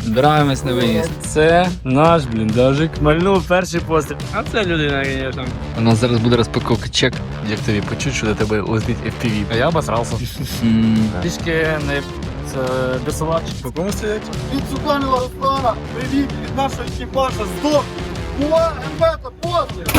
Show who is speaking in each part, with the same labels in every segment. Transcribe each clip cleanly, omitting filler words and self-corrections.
Speaker 1: Збираємось на виїзд. Це наш бліндажик. Мальнув перший постріл. А це людина, звісно. У нас зараз буде розпаковка чек. Як тобі почуть, що до тебе летить FPV. А я обосрався. Трішки не десалач.
Speaker 2: По кому стоять?
Speaker 3: Від Цуканова Руслана, привіт від нашого екіпажа, здох! Була МБТ, постріл!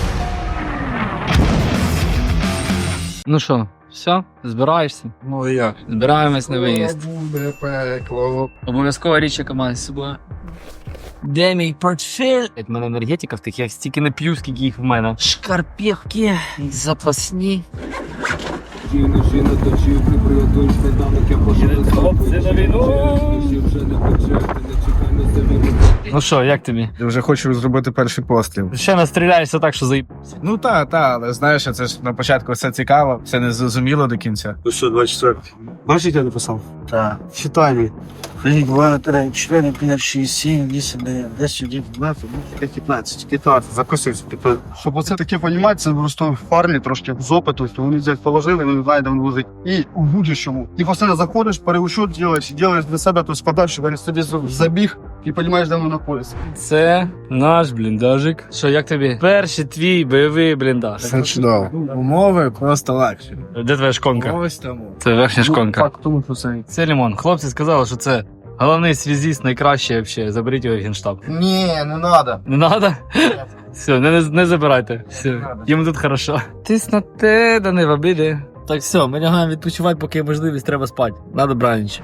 Speaker 1: Ну що, все? Збираєшся?
Speaker 2: Ну і як?
Speaker 1: Збираємось на виїзд.
Speaker 2: Буде пекло.
Speaker 1: Обов'язково річ, яка має з собою. Де мій портфель? В мене енергетика в тих, я стільки не п'ю, скільки їх в мене. Шкарпетки запасні.
Speaker 4: Жіночина точив, приприготуєш сніданок, я пошли.
Speaker 1: Хлопці на війну!
Speaker 4: Вже не почати, не чекай на себе.
Speaker 1: Ну що, як тобі?
Speaker 2: Я вже хочу зробити перший постріл.
Speaker 1: Ще настріляєшся так, що заїбався.
Speaker 2: Ну та, але знаєш, це ж на початку все цікаво, все не зрозуміло до кінця.
Speaker 3: Ну що, 24? Бачиш, я написав?
Speaker 5: Так.
Speaker 3: Читай мені.
Speaker 5: 1, 2, 3, 4, 5, 6, 7, 8, 9, 10, 11, 12, 15.
Speaker 3: 15, закусився. Щоб оце таке понімати, це просто парні трошки з опиту, то вони взяти положили, вони знають, де він лежить. І у будь-чому. Ти постійно заходиш, переучет робиш, робиш для себе, то складаєш, щоб він собі забіг і розумієш, де воно знаходиться.
Speaker 1: Це наш бліндажик. Що, як тобі? Перший твій бойовий бліндаж.
Speaker 2: Все чудово. Умови просто легші.
Speaker 1: Де твоя шконка?
Speaker 2: Ось тому.
Speaker 1: Це верхня шконка.
Speaker 3: Так, тому що це.
Speaker 1: Це лимон. Хлопці сказали, що це головний связіст, найкращий взагалі. Заберіть його в генштаб.
Speaker 3: Ні, не треба.
Speaker 1: Не надо? Все, не забирайте. Все, їм тут хорошо. Тиснути, да не в обіді. Так все, ми лягаємо відпочивати, поки є можливість, треба спати. Надо бранч.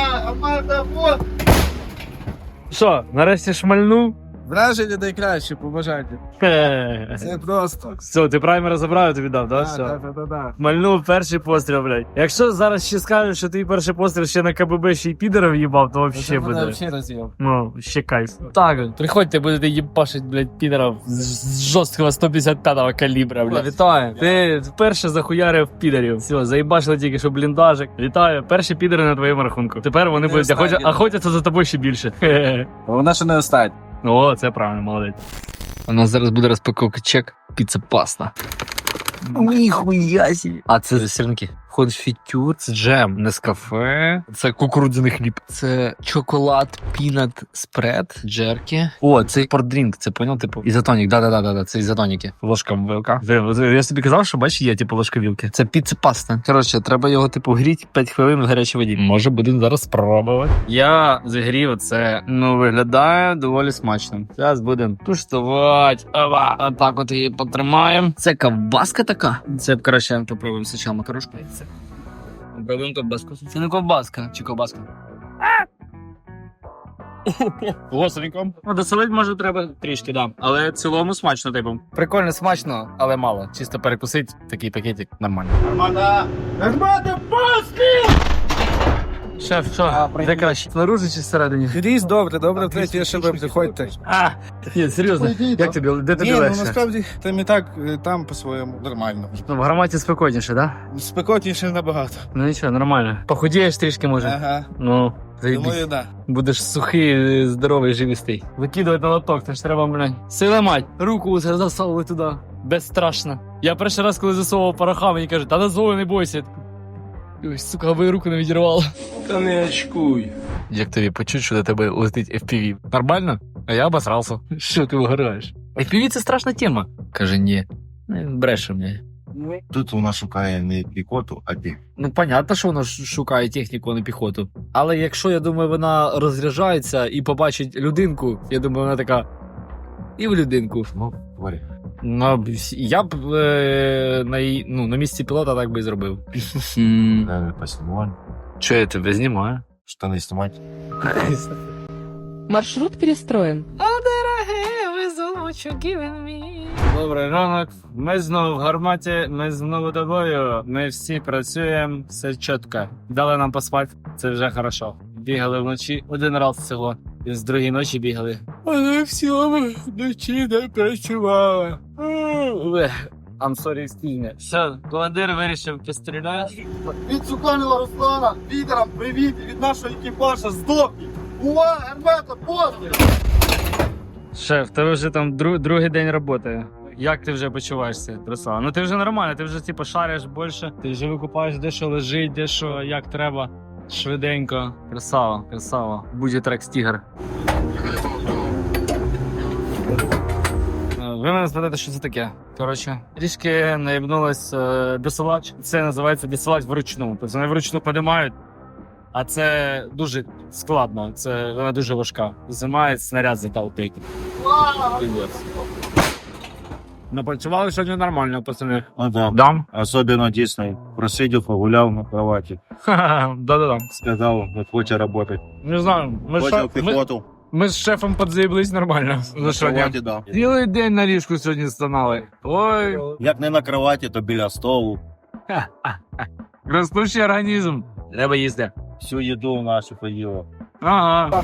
Speaker 1: Що, нарешті шмальнув?
Speaker 2: Враження найкраще, побажайте. Це просто.
Speaker 1: Все, ти праймера забрав, я тобі дав, да? Все.
Speaker 2: Так.
Speaker 1: Мальнув перший постріл, блядь. Якщо зараз ще скажеш, що твій перший постріл ще на КББ ще й підером їбав, то вообще буде. Ну, ще кайф. Так, приходьте, будете їбашить, блядь, підерів з жорсткого 155-го калібра, блядь. Вітаю. Ти вперше захуярив підерів. Все, заїбашили тільки, що бліндажик. Вітаю. Перші підери на твоєму рахунку. Тепер вони будуть охотяться за тобою ще більше.
Speaker 2: Вона ще не остать.
Speaker 1: О, це правильно, молодець. У нас зараз буде розпаковка чек. Піца паста.
Speaker 5: Ніхуя себе.
Speaker 1: А це сирники. Входить фітюр, це джем, нескафе, це кукурудзяний хліб, це чоколад, пінат спред, джеркі. О, це спортдрінк, це поняв, типу, ізотонік, да, це ізотоніки. Ложка вилка. Я собі казав, що бачиш, є, типу, ложка вілки. Це піца паста. Коротше, треба його, типу, гріти 5 хвилин в гарячій воді. Може, будемо зараз спробувати. Я загрів це, виглядає доволі смачно. Зараз будемо туштувати. Отак от її потримаємо. Це ковбаска така. Це, коротше, попробуємо спочатку макарошку. Пробуємо ковбаску. Це не ковбаска, чи ковбаска? Гостренько. Ну, досолити, може, треба трішки, да. Але в цілому смачно, типу. Прикольно, смачно, але мало. Чисто перекусить, такий пакетик, нормально.
Speaker 3: Армада! Армада, постріл!
Speaker 1: Шеф, що? Де краще? Снаружи чи всередині?
Speaker 2: Різ, добре, втретє ШБ, приходьте.
Speaker 1: Ні, серйозно. Як тобі? Де тобі
Speaker 2: Ні, ну
Speaker 1: легше?
Speaker 2: насправді там і так, там по-своєму нормально.
Speaker 1: Ну, в гарматі спокійніше, да?
Speaker 2: Спекотніше набагато.
Speaker 1: Ну нічого, нормально. Похудієш трішки, може?
Speaker 2: Ага,
Speaker 1: Ну, заєбісь.
Speaker 2: думаю, да.
Speaker 1: Будеш сухий, здоровий, живістий. Викидувати на лоток, це ж треба, блядь. Сила мать, руку засовували туди. Безстрашно. Я перший раз, коли засовував пороха, мені кажуть, та дозволи, не бойся. Ой, сука, аби руку не відірвало.
Speaker 4: Та не очкуй.
Speaker 1: Як тобі почуть, що до тебе летить FPV? Нормально? А я обосрався. Що ти вигораєш? FPV — це страшна тема. Каже, ні. Бреше мені.
Speaker 6: Тут вона шукає не піхоту, а техніку.
Speaker 1: Ну, понятно, що вона шукає техніку, а не піхоту. Але якщо, я думаю, вона розряджається і побачить людинку, я думаю, вона така, і в людинку.
Speaker 6: Ну, говори.
Speaker 1: Ну, я б на місці пілота так би і зробив.
Speaker 6: Наверное, поснимать.
Speaker 1: Що я тебе знімаю?
Speaker 6: Штаны снимать.
Speaker 7: Маршрут перестроен.
Speaker 1: Добрий ранок. Ми знову в гарматі, ми знову тобою. Ми всі працюємо, все чітко. Дали нам поспати, це вже хорошо. Бігали вночі один раз всього. І з другої ночі бігали. Але всього вночі не працювали. I'm sorry, excuse me. Все, командир вирішив постріляти.
Speaker 3: Від Цуканова Руслана, підерам, привіт від нашого екіпажа, здох! Була МБТ, постріл!
Speaker 1: Шеф, тебе вже там другий день роботи. Як ти вже почуваєшся, Руслан? Ну ти вже нормально, ти вже типу шариш більше, ти вже викупаєш, де що лежить, де що, як треба. Швиденько. Красава, красава. Буде трек стігер. Ви мене спитаєте, що це таке? Коротше, трішки наїбнулась досилач. Це називається досилач вручну. Тобто вони вручну підіймають, а це дуже складно. Це вона дуже важка. Займає снаряд заталпити. Напрацювали сьогодні нормально, пацани.
Speaker 6: Ну да.
Speaker 1: Дам?
Speaker 6: Особенно Дисней. Просидел, погулял на кровати.
Speaker 1: Да-да-да.
Speaker 6: Сказал, вот хочет работать.
Speaker 1: Не знаю,
Speaker 6: Хочет пехоту.
Speaker 1: ми з шефом подзаїблись нормально.
Speaker 6: На кровати, да.
Speaker 1: Цілий день на ліжку сьогодні стонали. Ой,
Speaker 6: Як не на кровати, то біля столу.
Speaker 1: ростущий організм. Треба їсти.
Speaker 6: Всю еду нашу поїла.
Speaker 1: Ага.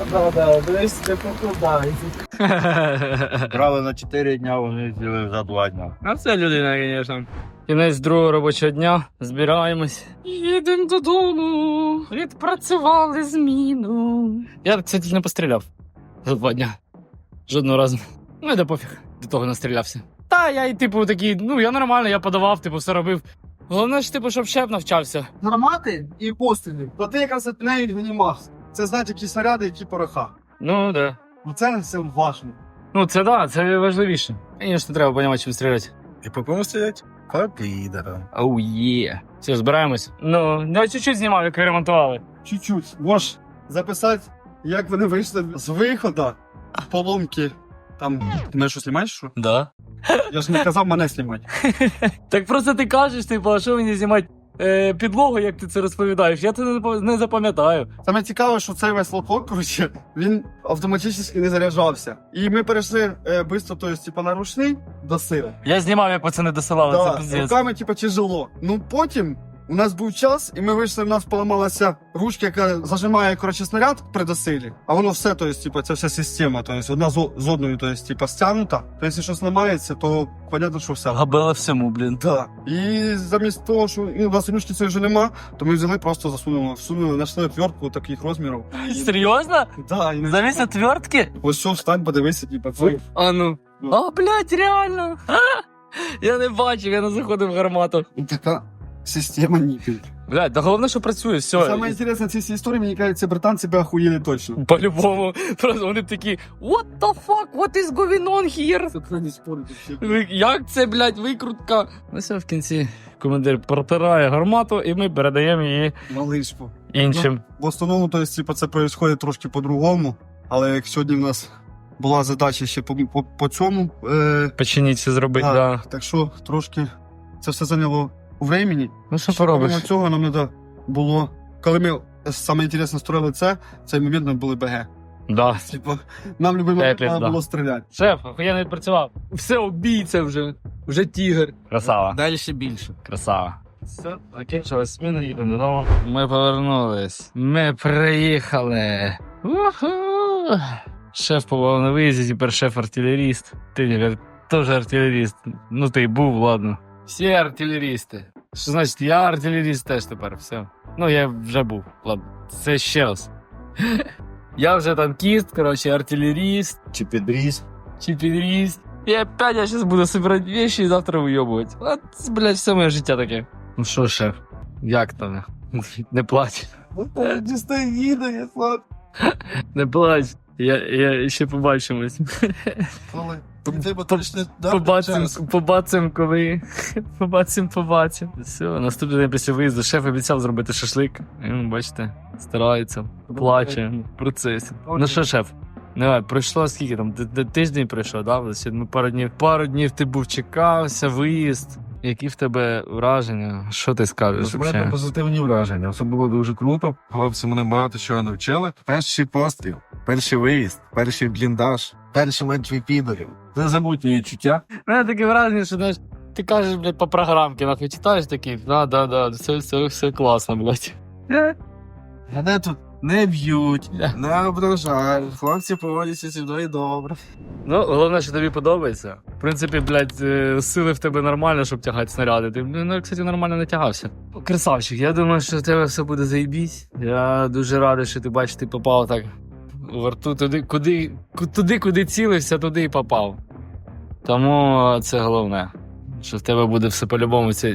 Speaker 6: Брали на 4 дня, вони з'їли за 2 дня.
Speaker 1: А це людина, звісно. Кінець другого робочого дня. Збираємось. Їдемо додому. Відпрацювали зміну. Я, кстати, не постріляв за 2 дня. Жодного разу. Ну, да пофіг. До того настрілявся. Та, я і типу такий, ну я нормально, я подавав, типу, все робив. Головне ж, типу, щоб шеф навчався.
Speaker 3: Гармати і постріли. То ти якраз відміняють винімався. Це знають, які снаряди, які пороха.
Speaker 1: Ну, да.
Speaker 3: Це все важно.
Speaker 1: Ну, це да, це важливіше. Звісно, треба розуміти, чим стріляти.
Speaker 6: І по кому стрілять? По підерам.
Speaker 1: Оу, є. Все, збираємось. Ну, я чуть-чуть знімав, як ви ремонтували.
Speaker 3: Чуть-чуть. Можеш записати, як вони вийшли з виходу, поломки. Там, ти мене що знімаєш, що?
Speaker 1: Да.
Speaker 3: Я ж не казав мене знімати.
Speaker 1: Так просто ти кажеш, типу, а що мені знімати підлогу, як ти це розповідаєш? Я це не запам'ятаю.
Speaker 3: Саме цікаве, що цей весь лоток, коротше, він автоматично не заряджався. І ми перейшли швидко, тобто, типу, на ручний до сили.
Speaker 1: Я знімав, як пацани досилали, це
Speaker 3: Да,
Speaker 1: пиздець.
Speaker 3: руками, типу, тяжело. Ну, потім у нас був час, і ми вийшли, в нас поламалася ручка, яка зажимає, коротше, снаряд при досилі. А воно все, тобто, типу, це вся система, тобто, одна з одною, тобто, типу, стягнута. Тобто, якщо щось ламається, то понятно, що все.
Speaker 1: Габела всьому, блін.
Speaker 3: Да. І замість того, що у нас ручки цієї вже нема, то ми взяли, просто всунули, знайшли отвертку таких розмірів.
Speaker 1: Серйозно?
Speaker 3: Да, і
Speaker 1: Замість отвертки?
Speaker 3: ось що, встань, подивися, типу, це.
Speaker 1: А ну. А, блядь, реально. Я не бачив, я не заходив в гармату.
Speaker 3: І така система ніпіль.
Speaker 1: Блядь, да головне, що працює, все.
Speaker 3: Саме інтересне в цій всій історії, мені кажуть, ці британці би охуєли точно.
Speaker 1: По-любому. Просто вони б такі, what the fuck, what is going on here?
Speaker 3: Це не спорить вообще.
Speaker 1: Як це, блядь, викрутка? Ну все, в кінці командир протирає гармату, і ми передаємо її
Speaker 3: Малишку.
Speaker 1: іншим.
Speaker 3: В основному, то есть, типу, це відбувається трошки по-другому, але як сьогодні в нас була задача ще по цьому,
Speaker 1: Починіть це зробити, да.
Speaker 3: так що трошки це все зайняло времени.
Speaker 1: Ну що
Speaker 3: Помимо
Speaker 1: поробиш?
Speaker 3: цього нам треба було, коли ми саме інтересно строїли цей момент нам були БГ.
Speaker 1: Да.
Speaker 3: Типу, нам любий момент
Speaker 1: Епік,
Speaker 3: треба
Speaker 1: да.
Speaker 3: було стріляти.
Speaker 1: Шеф, охуєнно відпрацював. Все, обійця вже тігр. Красава.
Speaker 2: Далі ще більше.
Speaker 1: Красава. Все, закінчилась зміна, їдемо додому. Ми повернулись. Ми приїхали. Уху. Шеф побував на виїзді, тепер шеф-артилеріст. Ти тепер теж артилеріст. Ну ти був, ладно. Всі артилерісти. Що значить, я артилеріст теж тепер, все. Ну, я вже був, ладно. Це ще раз. Я вже танкіст, коротше, артилеріст,
Speaker 6: Чи підріз.
Speaker 1: чи підріст. І опять я зараз буду собирати вещи і завтра вийобувати. От, блядь, все моє життя таке. Ну що, шеф, як там? Не плач.
Speaker 3: Дістань їду, я слад.
Speaker 1: Не плач. Я ще побачимось.
Speaker 3: Але
Speaker 1: Побачимо, коли. Побачимо. Все, наступний день після виїзду шеф обіцяв зробити шашлик. І, бачите, старається, плаче в процесі. Ну що, шеф? Давай, пройшло скільки там? Тиждень пройшов, да? Ну, пару днів ти був, чекався, виїзд. Які в тебе враження? Що ти скажеш?
Speaker 7: У мене позитивні враження. Це було дуже круто. Хлопці мене багато чого навчили. Перший постріл, перший виїзд, перший бліндаж, перший мертвий підорів. Незабутні відчуття.
Speaker 1: У мене таке враження, що знаєш, ти кажеш, блядь, по програмці, нахуй читаєш такий, да, все класно, блядь.
Speaker 7: Мене тут не б'ють, не ображають. Хлопці поводяться зі мною добре.
Speaker 1: Ну, головне, що тобі подобається. В принципі, блядь, сили в тебе нормально, щоб тягати снаряди. Ти, ну, кстати, нормально не тягався. Красавчик, я думаю, що в тебе все буде заєбісь. Я дуже радий, що ти бачиш, ти попав так у рту куди цілився, туди і попав. Тому це головне. Що в тебе буде все по-любому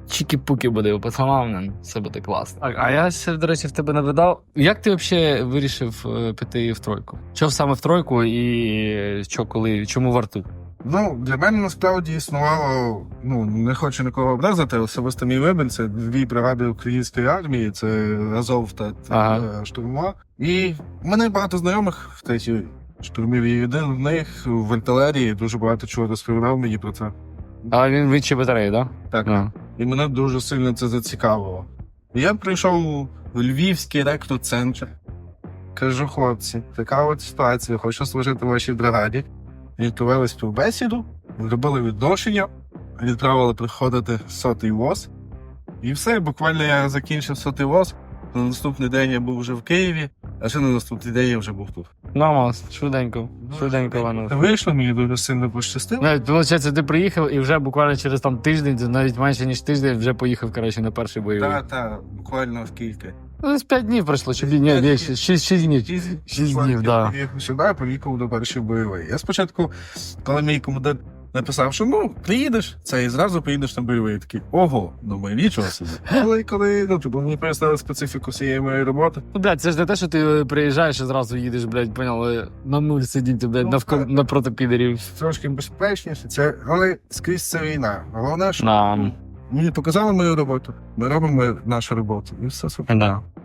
Speaker 1: чікі-пуки буде у пацанам, все буде класно. Так, а я ще, до речі, в тебе навидав. Як ти взагалі вирішив піти в тройку? Чого саме в тройку і що, коли, чому в арту?
Speaker 7: Ну, для мене насправді існувало, ну, не хочу нікого образити, особисто мій вибір, це 2 бригади української армії, це Азов та
Speaker 1: Ага.
Speaker 7: штурмова. І в мене багато знайомих в третій штурмовій, і один з них в артилерії дуже багато чого розповідав мені про це.
Speaker 1: А він відчі батареї, так?
Speaker 7: Так.
Speaker 1: Да?
Speaker 7: І мене дуже сильно це зацікавило. І я прийшов в Львівський рекрут-центр. Кажу, хлопці, така от ситуація, хочу служити в вашій бригаді. І провели співбесіду, зробили відношення, відправили приходити 100-й ВОЗ. І все, буквально я закінчив 100-й ВОЗ. На наступний день я був вже в Києві, а ще на наступний день я вже був тут.
Speaker 1: Намаз, швиденько, воно.
Speaker 7: Вийшло, мені дуже сильно пощастило.
Speaker 1: Навіть, виходить, ти приїхав і вже буквально через там тиждень, навіть менше ніж тиждень, вже поїхав, коротше, на перший бойовий.
Speaker 7: Так, буквально в кілька.
Speaker 1: Ну, десь 5 днів пройшло, чи ні, 6 днів. 6 днів, так.
Speaker 7: Я сюди поїхав до першої бойової. Я спочатку, коли мій командир написав, що ну, приїдеш, це і зразу поїдеш на бойовий. Я такий, ого, думаю, нічого собі. Але коли, ну, типу, мені пояснили специфіку всієї моєї роботи.
Speaker 1: Ну, блядь, це ж не те, що ти приїжджаєш і зразу їдеш, блядь, поняли, на нуль сидіти, блядь, напроти підерів.
Speaker 7: Трошки безпечніше, це, але скрізь це війна. Головне, що
Speaker 1: Да.
Speaker 7: мені показали мою роботу, ми робимо нашу роботу. І все супер.
Speaker 1: Да.